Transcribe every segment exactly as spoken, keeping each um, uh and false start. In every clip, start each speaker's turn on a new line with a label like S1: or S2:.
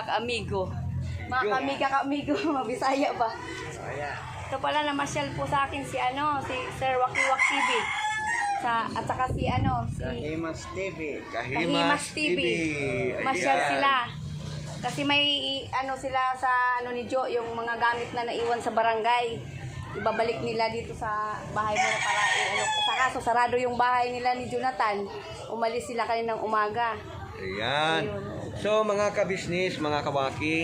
S1: ka-amigo. Mga kamiga ka-amigo, mabisaya ba? Ito pala namasyal po sa akin si ano, si Sir Wakiwak T V. Sa, at saka si ano, si
S2: Kahimas T V.
S1: Kahimas T V. Masyal sila. Kasi may ano sila sa ano ni Jo, yung mga gamit na naiwan sa barangay. Ibabalik nila dito sa bahay mo na para eh, ano, sa kaso sarado yung bahay nila ni Jonathan. Umalis sila kaninang umaga.
S3: Ayan. So mga kabisnis, mga kawaki,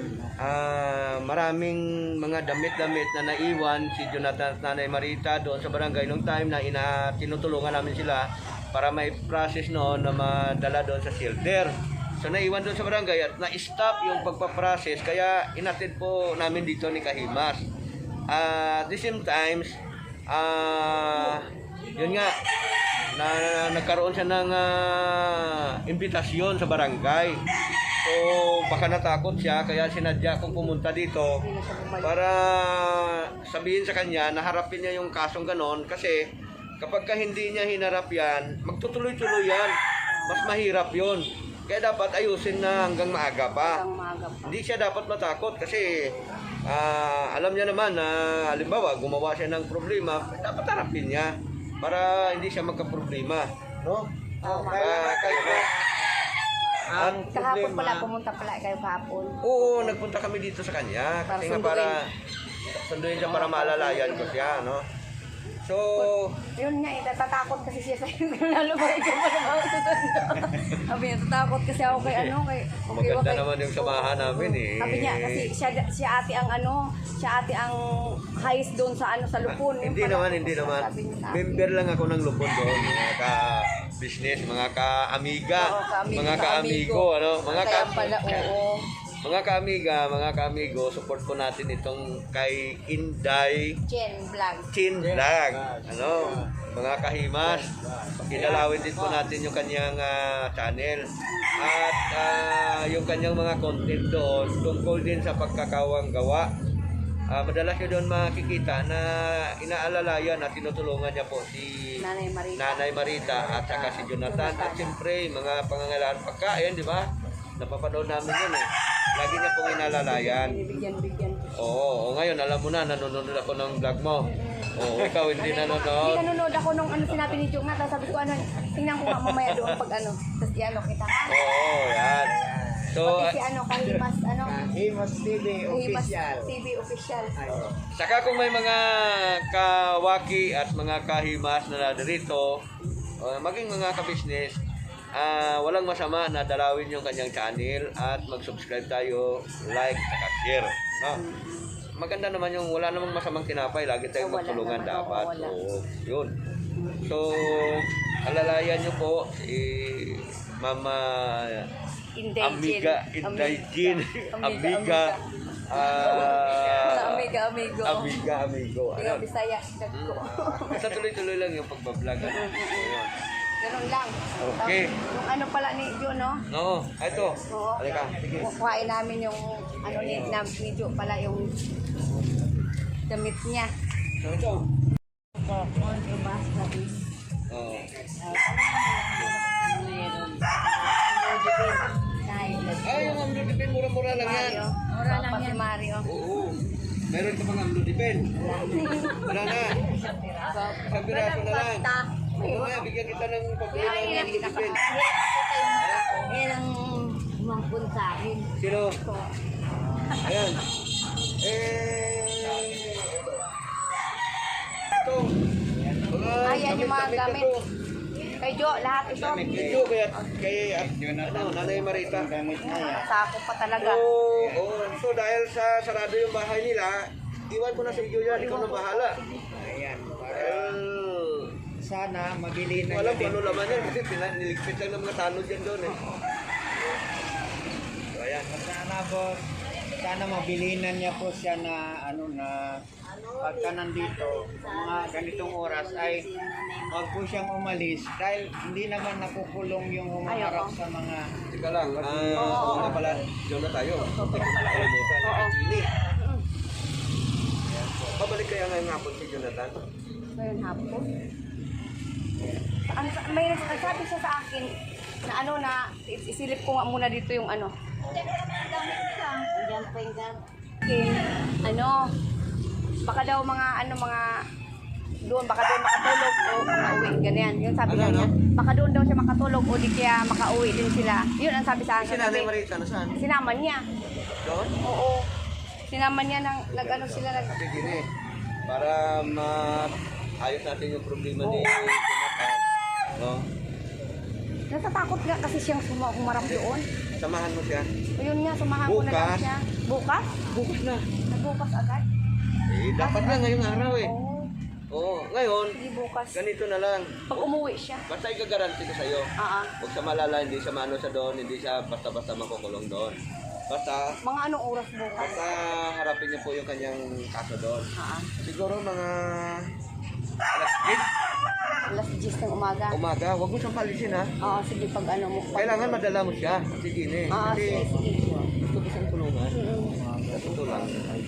S3: ah maraming mga damit-damit na naiwan si Jonathan at Nanay Marita doon sa barangay nung time na ina tinutulungan namin sila para may process noon na madala doon sa shelter. So naiwan doon sa barangay at na-stop yung pagpaprocess kaya inatid po namin dito ni Kahimas. Uh, at the same times, ah yun nga, na nagkaroon siya ng uh, imbitasyon sa barangay. So baka natakot siya kaya sinadya kong pumunta dito para sabihin sa kanya na harapin niya yung kasong ganon kasi kapag ka hindi niya hinarap yan, magtutuloy-tuloy yan. Mas mahirap yun. Kaya dapat ayusin na hanggang maaga pa. Hindi siya dapat matakot kasi uh, alam niya naman na halimbawa gumawa siya ng problema, dapat harapin niya para hindi siya magka-problema, no?
S2: Oh,
S3: Uh, kaya
S2: ang
S1: Kahapon
S2: problema,
S1: pala, pumunta pala kayo kahapon.
S3: oo, nagpunta kami dito sa kanya kasi nga para sunduin siya para maalalayan ko siya, no? So,
S1: Yun nga, eh, natatakot kasi siya sa'yo. Lalo ba ikaw pa naman susunod. Sabi niya, natatakot kasi ako kay ano, kay...
S3: maganda naman yung samahan namin eh.
S1: Sabi niya, kasi siya, siya ate ang ano, siya ate ang highest doon sa ano, sa Lupon. Yung
S3: Hindi
S1: pala-
S3: naman, hindi naman.
S1: Sabi niya sa akin.
S3: Member lang ako ng Lupon doon, mga ka-business, mga ka-amiga,
S1: Oo, ka-amigo,
S3: mga ka-amigo, ano, mga
S1: Kaya
S3: ka
S1: pala, oo.
S3: mga ka-amiga, mga ka-amigo, support po natin itong kay Inday
S1: Jen Vlog.
S3: Chin Vlog, ano, mga kahimas. Kinalawin din po natin yung kanyang ah, channel at ah, yung kanyang mga content doon tungkol din sa pagkakawang gawa. Ah, madalas nyo doon makikita na inaalalayan at tinutulungan niya po si
S1: Nanay Marita.
S3: Nanay Marita at saka si Jonathan at siyempre mga pangangailangan pagkain, di ba? Napapanood namin yun eh. Lagi niya pong inalalayan.
S1: Binibigyan-bigyan ko.
S3: Oo, oo, ngayon alam mo na, nanonood ako ng vlog mo. Oo, ikaw hindi
S1: Hindi
S3: nanonood.
S1: nanonood ako nung ano sinabi ni Jung na, tapos sabi ko ano, tingnan ko nga mamaya doon pag ano, tapos i-ano kita.
S3: Oo, yan. So,
S1: Pati si ano, Kahimas, ano,
S2: Kahimas T V
S1: Kahimas
S2: official.
S1: T V official.
S3: saka kung may mga kawaki at mga kahimas na narito, uh, maging mga kabisnes, ah walang masama na dalawin yung kanyang channel at mag-subscribe tayo, like, saka share. No? Maganda naman yung wala namang masamang tinapay, lagi tayong
S1: Oh, wala
S3: magtulungan
S1: naman,
S3: dapat.
S1: oo, wala.
S3: Oo, yun. So, alalayan nyo po si Mama
S1: Inday
S3: Amiga,
S1: Jen.
S3: Inday Jin,
S1: Amiga,
S3: Amiga, ah,
S1: Amiga, amigo.
S3: Amiga, Amigo.
S1: Ikaw,
S3: Ano?
S1: Bisaya, dag ko.
S3: Basta tuloy-tuloy lang yung pagbablog. Ano? Ayun.
S1: Ganun lang.
S3: Okay.
S1: Tapos, yung ano pala ni Jo, no?
S3: Oo, ito.
S1: Oo.
S3: Halika. Sige.
S1: Kukuhain namin yung ano ni, na, ni Jo pala yung damit niya.
S3: So, ito.
S1: Contrabas na is
S3: Oo. Ay, yung amlodipin, mura-mura lang yan.
S1: Mario. Mura lang yan. Mario.
S3: Oo. Meron ka pang amlodipin. Wala na. Isang piraso na lang. Oo nga, bigyan kita ng pabili ng amlodipin.
S1: Yan ang umangkon sa akin.
S3: Sino? Ayan. Eh... Ito. Mga
S1: Ayan yung mga
S3: damit-damit na
S1: gamit.
S3: to.
S1: Kay Jo, lahat ito.
S3: Ito kaya kay ano, Nanay Marita.
S1: Sako pa talaga.
S3: So, oh, so dahil sa sarado yung bahay nila, iwan ko na sa iyo yan, ikaw na bahala.
S2: Ayan.
S3: Well,
S2: Sana mabili na
S3: wala
S2: niya
S3: kung ano
S2: din.
S3: laman yan kasi pina- niligpit lang ng mga tanod yan doon eh. So, ayan.
S2: Sana po, sana mabili na niya po siya na ano na pagka nandito mga ganitong oras ay wag po siyang umalis dahil hindi naman nakukulong yung humaharap sa mga
S3: Teka lang, ah,
S1: Oo,
S3: oo
S1: oo.
S3: nga pala, doon na tayo. Teka pala kalimutan.
S1: Oo.
S3: Ini. Babalik kaya ngayong hapon si Jonathan?
S1: Ngayon hapon. Ang, may nagsasabi siya sa akin na ano na is- isilip ko nga muna dito yung ano Diyan pa yung gan. Okay, ano, baka daw mga, ano, mga, doon, baka doon makatulog o makauwi, ganyan. Yun sabi
S3: Ano,
S1: niya,
S3: ano?
S1: baka doon daw siya makatulog o di kaya makauwi din sila. Yun ang sabi sa
S3: Si
S1: akin.
S3: Nanay
S1: Sabi,
S3: Marita, nasaan?
S1: sinama niya.
S3: Doon?
S1: Oo. Sinama niya ng, nag-ano sila, nag,
S3: Kasi gini, para maayos natin yung problema ni Jonathan. No?
S1: natatakot nga kasi siyang suma, humarap doon.
S3: Samahan mo siya.
S1: O yun nga, sumahan ko na lang
S3: Bukas.
S1: siya. Bukas?
S3: Bukas na.
S1: Nagbukas agad?
S3: Eh, dapat na ngayong araw eh.
S1: Oo.
S3: Oo, ngayon,
S1: Hindi bukas.
S3: ganito na lang.
S1: Pag umuwi siya.
S3: Basta igagaranti ko sa'yo.
S1: Ah, ah.
S3: Huwag sa malala, hindi siya maano sa doon, hindi siya basta-basta makukulong doon. Basta,
S1: Mga anong oras bukas?
S3: basta harapin niyo po yung kanyang kaso doon.
S1: Ah, ah.
S3: Siguro mga alas eight
S1: Alas diyes ng umaga.
S3: umaga, huwag mo siyang palisin ha.
S1: Oo, sige pag ano mo. Pag,
S3: Kailangan madala mo siya. Kasi gini.
S1: Ah,
S3: Kasi
S1: sige, sige.
S3: gusto ko siyang tulungan.
S1: Mm-mm.
S3: Sa totoo lang.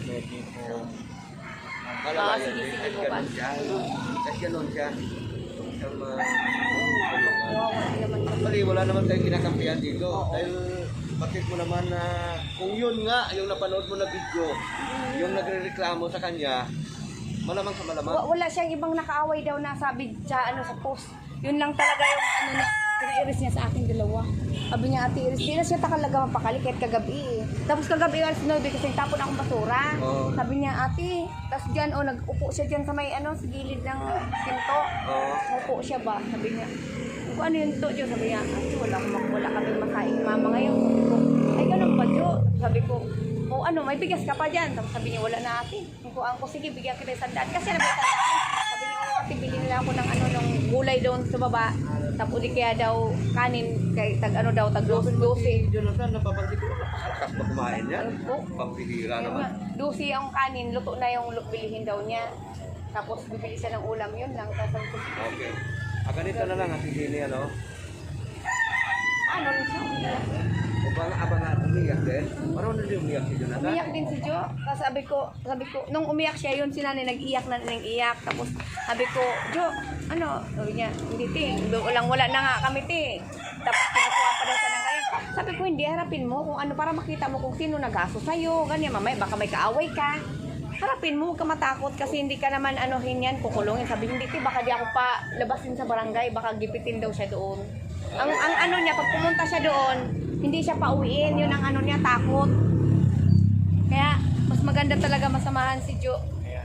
S1: Ah,
S3: Malalayan
S1: sige,
S3: din.
S1: sige,
S3: Kahit
S1: bukas.
S3: ganun siya. Kahit ganun siya. Siyang ma-
S1: Kawawa din naman.
S3: Actually, wala naman tayong kinakampihan dito. Dahil bakit mo naman na kung yun nga, yung napanood mo na video, yung nagre-reklamo sa kanya, malamang sa malamang.
S1: Wa- Wala siyang ibang nakaaway daw na sabi sa ano sa post. Yun lang talaga yung ano na pinairis niya sa akin dalawa. Sabi niya, Ate Iris, di na siya talaga mapakali kahit kagabi eh. Tapos kagabi alas nove kasi tapon akong basura.
S3: Oo.
S1: Sabi niya, Ate, tapos dyan, oh, nag-upo siya dyan sa may ano, sa gilid ng pinto.
S3: Oo.
S1: Upo siya ba? Sabi niya, kung ano yun to, Jo? Sabi niya, Ate, wala, wala, wala kami makain mama ngayon. Sabi ko, ay ganun ba, Jo? Sabi ko, o ano, may bigas ka pa dyan. Tapos sabi niya, wala na ate. Kung ang ko, sige, bigyan kita ng sandaan. Kasi na may sandaan. Sabi niya, o ate, bilhin nila ako ng ano, ng gulay doon sa baba. Tapos di kaya daw kanin, kay tag ano daw, tag dosi.
S3: Si Jonathan, napapansin ko, napakalakas ba kumain niya?
S1: Oo.
S3: Pampihira
S1: Yun nga,
S3: naman.
S1: dosi ang kanin, luto na yung lu- bilihin daw niya. Tapos bibili siya ng ulam, yun lang. Tapos sabi ko,
S3: Okay. Ah, ganito na lang, Ate Jenny, ano?
S1: ano rin siya, umiyak.
S3: O ba nga, abang nga, umiyak din? Parang na din umiyak si Jonathan?
S1: Umiyak din si Jo. Tapos sabi ko, sabi ko, nung umiyak siya, yun si nanay nag-iyak na nag-iyak. Tapos sabi ko, Jo, ano? Sabi niya, hindi ting, walang wala na nga kami ting. Tapos kinukuha pa daw siya ng kaya. Sabi ko, hindi, harapin mo kung ano, para makita mo kung sino nag-aso sa'yo. Ganyan, mamaya, baka may kaaway ka. Harapin mo, huwag ka matakot kasi hindi ka naman anuhin yan, kukulungin. Sabi, hindi ti, baka di ako pa labasin sa barangay, baka gipitin daw siya doon. Ang, ang ano niya, pag pumunta siya doon, hindi siya pauwiin, yun ang ano niya, takot. Kaya, mas maganda talaga masamahan si Jo.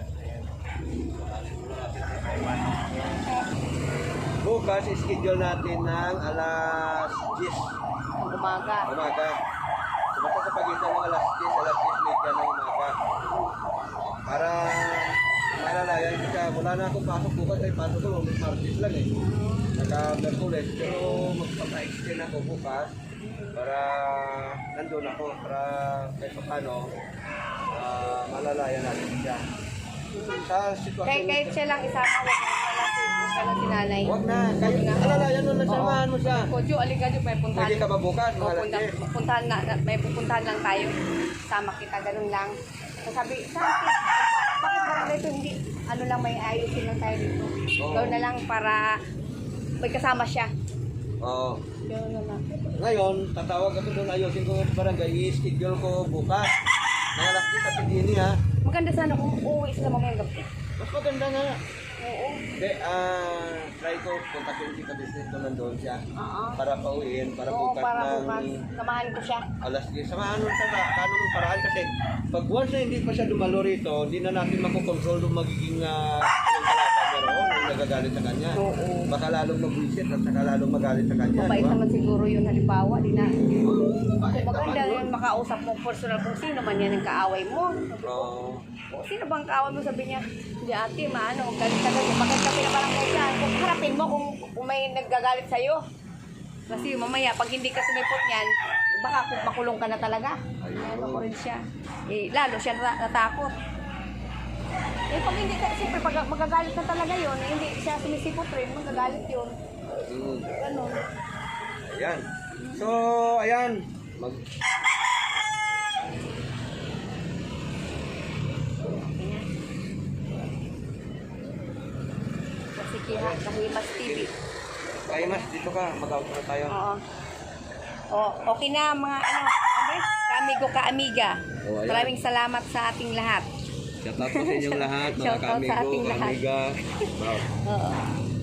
S3: Bukas, schedule natin ng alas diyes
S1: Ang umaga.
S3: umaga. So, basta sa pagitan ng alas diyes, alas diyes media ng umaga. Para malalayan siya. Wala na akong pasok bukas. Ay, pasok ko, Martes lang eh. Naka-Merkules. Pero magpapa-extend ako bukas para nandun ako. Para kahit pa paano, ah, malalayan natin siya. Sa sitwasyon
S1: Kahit, kahit siya lang isama, huwag mo nalang si, huwag ka lang si nanay.
S3: Huwag na. Kayo na. Alalayan mo na, samahan mo siya.
S1: O Jo, aliga Jo, may puntahan.
S3: Pwede ka ba bukas? Mga
S1: O,
S3: alas
S1: punta,
S3: diyes?
S1: puntahan na, na- may pupuntahan lang tayo. Sama kita, ganun lang. So, sabi, sabi, bakit parang dito hindi, ano lang, may ayusin lang tayo dito.
S3: Oo.
S1: Gawin na lang para may kasama siya.
S3: Oo.
S1: Gawin na lang.
S3: Ngayon, tatawag ako doon, ayusin ko yung barangay, i-schedule ko bukas. Mga alas diyes sa Pidini ha.
S1: Maganda sana kung uuwi sila mamayang gabi.
S3: Mas maganda nga.
S1: Oo.
S3: Hindi, ah, try ko, kontakin si Kabisnes ko nandun siya.
S1: Oo.
S3: Para pauwiin, para
S1: Oo,
S3: bukas
S1: para
S3: ng
S1: bukas. Samahan ko siya.
S3: alas diyes. Samahan mo siya na, paano mong paraan kasi pag once na hindi pa siya dumalo rito, hindi na natin makokontrol yung magiging uh, yung kalata niya roon, yung nagagalit sa kanya.
S1: Oo.
S3: Baka lalong mag-visit at saka lalong magalit sa kanya.
S1: Mabait
S3: di ba?
S1: naman siguro yun, halimbawa, di na.
S3: Bakit
S1: Kung maganda
S3: naman?
S1: yun, makausap mo personal kung sino man yan ang kaaway mo.
S3: Oo.
S1: O, sino bang kaaway mo? Sabi niya, hindi ate, maano, galit ka galit. Bakit ka pinabarangay dyan? Kung harapin mo kung, kung may naggagalit sa'yo. Kasi mamaya, pag hindi ka sumipot niyan, baka kung makulong ka na talaga. Ano ko rin siya. Eh, lalo siya nata- natakot. Eh, pag hindi ka, siyempre, pag magagalit na talaga yun, eh, hindi siya sumisipot rin, magagalit yun.
S3: Mm.
S1: Ganun.
S3: Ayan. So, ayan. Mag
S1: Ayan. Kasi kiha, kahimas T V.
S3: Kaya mas, dito ka. Mag-out na tayo.
S1: Oo. Oh, okay na mga ano, ano ba? ka-amigo, ka-amiga.
S3: Oh, ayan.
S1: Maraming salamat sa ating lahat.
S3: Shout out po sa inyong lahat, mga
S1: Shout out sa
S3: ka-amigo,
S1: ating lahat.
S3: ka-amiga. Wow.
S1: Oo.